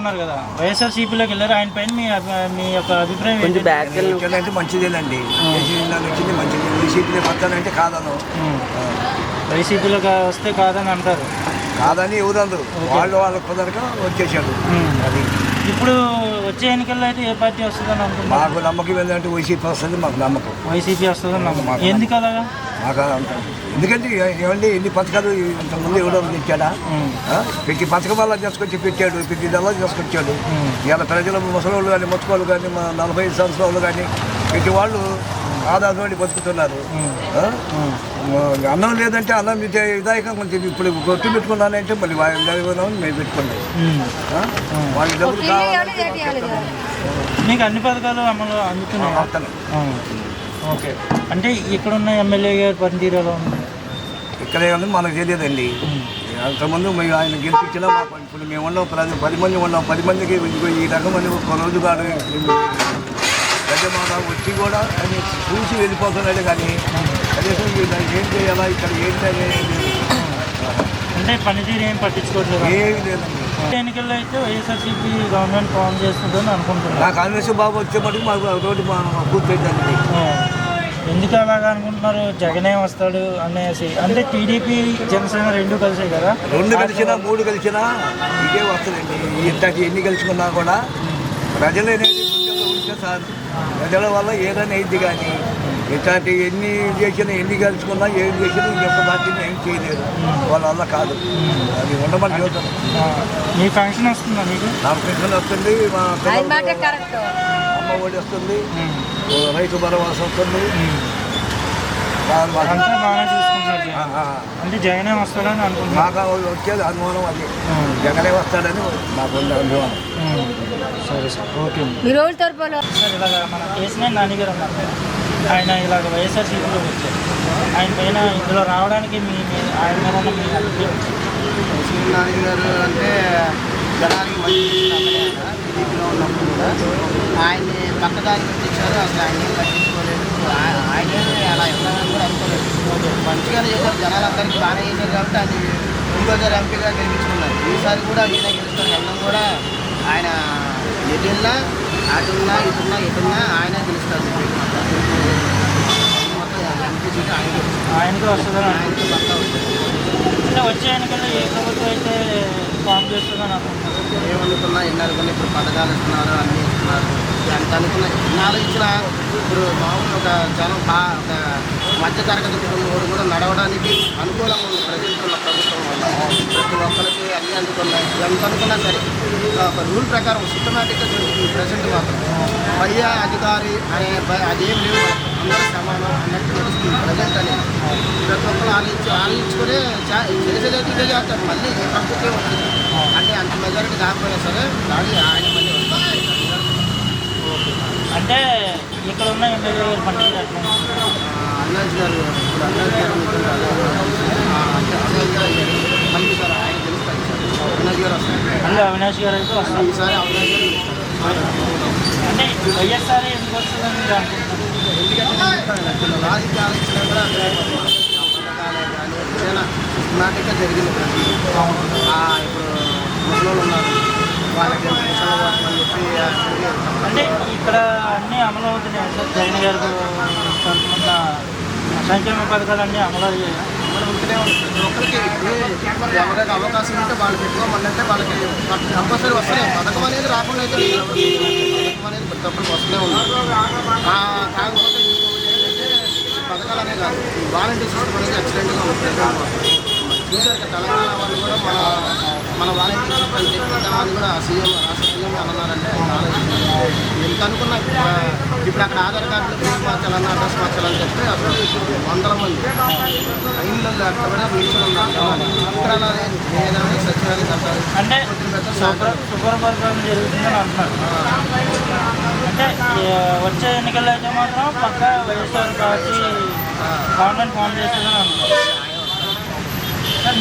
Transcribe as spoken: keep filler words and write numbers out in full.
ఉన్నారు కదా, వైఎస్ఆర్సీపీలోకి వెళ్ళారు. ఆయన పైన మీ మీ యొక్క అభిప్రాయం అంటే మంచిదేనండి. వచ్చింది మంచిది. వైసీపీలో వస్తానంటే కాదను, వైసీపీలోకి వస్తే కాదని అంటారు. కాదని ఎవరందరూ వాళ్ళు వాళ్ళకి కుదరక వచ్చేసాడు. అది ఇప్పుడు వచ్చే ఎన్నికల్లో అయితే ఏ పార్టీ వస్తుందని అనుకుంటున్నారు? మాకు నమ్మకం ఏంటంటే వైసీపీ వస్తుంది. మాకు నమ్మకం వైసీపీ వస్తుందని నమ్మకం. ఎందుకు అలాగా? మాకు ఎందుకంటే ఏమండి ఎన్ని పథకాలు ఇంతకుముందు ఎవడో తెచ్చాడా? ప్రతి పథకం వల్ల తీసుకొచ్చి పెట్టాడు, ప్రతి నెల తీసుకొచ్చాడు. ఇవాళ ప్రజలు ముసలోళ్ళు కానీ ముచ్చుకోళ్ళు కానీ మా నలభై ఐదు సంవత్సరాలు కానీ ప్రతి వాళ్ళు ఆధారపడి బతుకుతున్నారు. అన్నం లేదంటే అన్నం విధాయకం కొంచెం ఇప్పుడు కొట్టు పెట్టుకున్నానంటే మళ్ళీ మేము పెట్టుకోండి. వాళ్ళకి డబ్బులు కావాలి. మీకు అన్ని పథకాలు అమలు అందుతున్నాయి. ఓకే, అంటే ఇక్కడ ఉన్న ఎమ్మెల్యే గారి పనితీరు ఎలా ఉంది? ఇక్కడ ఏమన్నా మనకు తెలియదండి. అంతకుముందు మేము ఆయన గెలిపించినా మాకు ఇప్పుడు మేము ఉన్నాం పది పది మంది ఉన్నాం. పది మందికి ఈ రకమని ఒక రోజు కాదు పెద్ద మాట వచ్చి కూడా అని చూసి వెళ్ళిపోతున్నాడు. కానీ కనీసం ఏం చేయాలా ఇక్కడ ఏంటి అనేది అంటే పనితీరు ఏం పట్టించుకోవట్లేదు. ఏమి లేదండి. ఎన్నికల్లో అయితే వైఎస్ఆర్సీపీ గవర్నమెంట్ ఫామ్ చేస్తుందని అనుకుంటున్నాను. నా కాంగ్రెస్ బాబు వచ్చేప్పటికి మాకు రోడ్డు పూర్తయిందండి. ఎందుకు అలాగా అనుకుంటున్నారు? జగనే వస్తాడు అనేసి. అంటే టీడీపీ జనసేన రెండు కలిసే కదా. రెండు కలిసినా మూడు కలిసినా ఇదే వస్తుందండి. ఇంతటి ఎన్ని కలుసుకున్నా కూడా ప్రజలు అనేది గుండెల్లో ఉంటే సార్ ప్రజల వల్ల ఏదైనా అయింది. కానీ ఇట్లాంటి ఎన్ని చేసినా ఎన్ని కలుసుకున్నా ఏం చేసినా ఈ యొక్క పార్టీని ఏం చేయలేదు. వాళ్ళ వల్ల కాదు. అది ఉండమని చూద్దాం. మీ ఫంక్షన్ వస్తుందా మీకు? నా పెన్షన్ వస్తుంది, మా అమ్మ ఒడి వస్తుంది, రైతు భరోసా వస్తుంది. అంతా బాగా చూసుకుంటారు. అంటే జగనే వస్తాడని అనుకుంటున్నాను. మాకు వచ్చేది అనుమానం. అది జగనే వస్తాడని మాకు అనుమానం. సరే సార్, ఓకే సార్. ఇలాగ మన కేసీఆర్ నాన్నగారు అన్నారు, ఆయన ఇలాగ వైఎస్ఆర్సీపీలో వచ్చారు. ఆయన పైన ఇందులో రావడానికి మీ ఆయన మీద ఉన్న మీ అభిప్రాయం? కేసీఆర్ నాన్నగారు అంటే జనానికి మంచి టీడీపీలో ఉన్నప్పుడు కూడా ఆయన్ని పక్కదారి పెట్టించారు. అసలు ఆయన ఏం పట్టించుకోలేదు. ఆయన అలా ఇవ్వాలని కూడా అనుకోలేదు. మంచిగానే చేశారు. జనాలందరికీ బాగానే చేశారు కాబట్టి అది ఇంకోసారి ఎంపీగా గెలిపించుకున్నారు. ఈసారి కూడా ఈయన గెలుచుకొని వెళ్ళడం కూడా ఆయన ఎటున్నా అటున్నా ఇటున్నా ఎటున్నా ఆయన గెలుస్తారు. మొత్తం ఎంపీ సీటు ఆయన ఆయనకి వస్తుందని ఆయనకి పక్కా వస్తుంది. అంటే వచ్చే ఎన్నికల్లో ఏ ప్రభుత్వం అయితే ఫామ్ చేస్తుందని అనుకుంటున్నారు? ఏమనుకున్నా ఎన్ని అనుకున్నా ఇప్పుడు పథకాలు ఇస్తున్నారు, అన్నీ ఇస్తున్నారు. ఎంత అనుకున్నా ఎన్నాళ్ళు ఇచ్చినా ఇప్పుడు మామూలు ఒక జనం బాగా ఒక మధ్యతరగతి కుటుంబం కూడా నడవడానికి అనుకూలంగా ఉంది ప్రజెంట్ ఉన్న ప్రభుత్వం వల్ల. ప్రతి ఒక్కరికి అన్నీ అందుకున్నాయి. ఎంత అనుకున్నా సరే ఒక రూల్ ప్రకారం సిస్టమేటిక్గా జరుగుతుంది ప్రజెంట్ మాత్రం. పై అధికారి అనే అదేం లేవు, అందరూ సమానం అన్నట్టు నడుస్తుంది ప్రజెంట్ అనేది. ప్రతి ఒక్కరు ఆలోచించి ఆలోచించుకునే చేసేదైతే ఇదే చేస్తారు. మళ్ళీ ఈ ప్రభుత్వం వచ్చింది అంటే అంత మెజారిటీ కాకపోయినా సరే కానీ ఆయన మళ్ళీ వస్తారు. అంటే ఇక్కడ ఉన్న ఎమ్మెల్యే గారు పండుగ అన్నాజ్ గారు ఇప్పుడు అన్నాజ్ గారు అంటే అన్నాజ్ గారు మళ్ళీ సార్ ఆయన గెలుస్తారు. సార్ అన్నాజ్ గారు వస్తారు. మళ్ళీ అవినాష్ గారు అయితే వస్తారు. ఈసారి అవినాష్ గారు అంటే వైఎస్ఆర్ ఎందుకు వస్తుందని మీరు అనుకుంటున్నారు? ఎందుకంటే రాజకీయ ఆలోచన కూడా పథకాలే కానీ ఏదైనా సిస్టమాటిక్గా జరిగింది. ఇప్పుడు ముసలోళ్ళు ఉన్నారు, వాళ్ళకి ముసలి కోసం అని చెప్పి అంటే ఇక్కడ అన్నీ అమలు అవుతున్నాయి సార్. జగన్ గారు తరఫున సంక్షేమ పథకాలు అన్నీ అమలు అయ్యాయి. అమలు ఉంటూనే ఉంటుంది. ఒక్కరికి ఎవరైనా అవకాశం ఉంటే వాళ్ళు పెట్టుకోమనంటే వాళ్ళకి కంపల్సరీ వస్తున్నాయి. పథకం అనేది రాకుండా అయితే పథకం అనేది ప్రతి ఒక్కరికి వస్తూనే ఉంది. కాకపోతే ఏంటంటే పథకాలు అనే కాదు, వాలంటీర్ సిస్టమ్ అనేది ఎక్సలెంట్గా ఉంటుంది. చూసారు తెలంగాణ వాళ్ళు కూడా మన మన వాలంటీర్ సిస్టమ్ తెప్పిద్దామని కూడా సీఎం రాష్ట్ర సీఎం అన్నారంటే ఎంత అనుకున్నా ఇప్పుడు అక్కడ ఆధార్ కార్డులు ఫీజు మార్చాలన్నా అడ్రస్ మార్చాలని చెప్పి అసలు వందల మంది లైన్లలో అక్కడ కూడా నిల్చొని ఉన్నారు. ఇక్కడ ఏదైనా సచివాలయం కట్టాలి అంటే సూపర్ పరిపాలన జరుగుతుందని అంటున్నారు. అంటే వచ్చే ఎన్నికల్లో అయితే మాత్రం పక్కా వైఎస్ఆర్ పార్టీ గవర్నమెంట్ ఫామ్ చేస్తుందని అంటున్నారు.